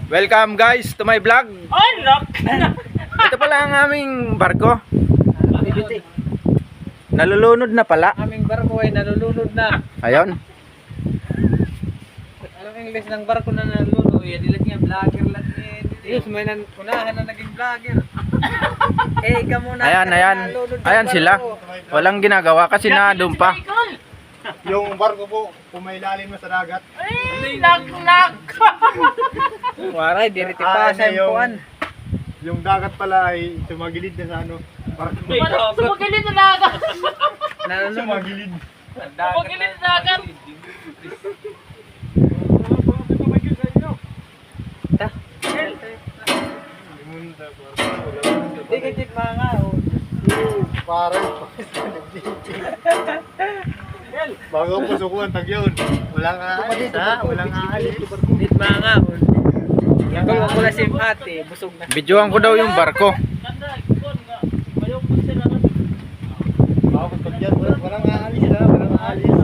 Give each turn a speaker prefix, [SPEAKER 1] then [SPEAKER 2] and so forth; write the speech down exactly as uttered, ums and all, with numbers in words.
[SPEAKER 1] Welcome guys to my vlog.
[SPEAKER 2] Ay, nak!
[SPEAKER 1] Ito pala ang aming barko. Nalulunod na pala.
[SPEAKER 2] Aming barko ay nalulunod na.
[SPEAKER 1] Ayun.
[SPEAKER 2] Anong English ng barko na nalulunod? Yan nila niya, vlogger lang eh. Yes, may nan unahan na naging vlogger. Eh, ikaw muna.
[SPEAKER 1] Ayan, ayan. Ayan sila. Walang ginagawa kasi nadumpa.
[SPEAKER 3] Yung barko po, pumailalim na sa dagat.
[SPEAKER 2] Ay, nak-nak! Waray, diriti pa
[SPEAKER 3] Ah,
[SPEAKER 2] sa
[SPEAKER 3] yung-
[SPEAKER 2] impuan.
[SPEAKER 3] Yung dagat pala ay sumagilid na sa ano. Barko.
[SPEAKER 4] Sumagilid na dagat.
[SPEAKER 2] Nalulunod.
[SPEAKER 3] Sumagilid.
[SPEAKER 4] Sumagilid na dagat.
[SPEAKER 2] Tigit-tig mga oh.
[SPEAKER 3] Parang. Bago po sukuan tag yun. Walang aalis ha. Walang aalis.
[SPEAKER 2] Tigit mga oh. Ikaw ko na si ate, busog na.
[SPEAKER 1] Videoan ko daw yung barko.
[SPEAKER 3] Bago pag yan. Walang aalis ha. Walang aalis.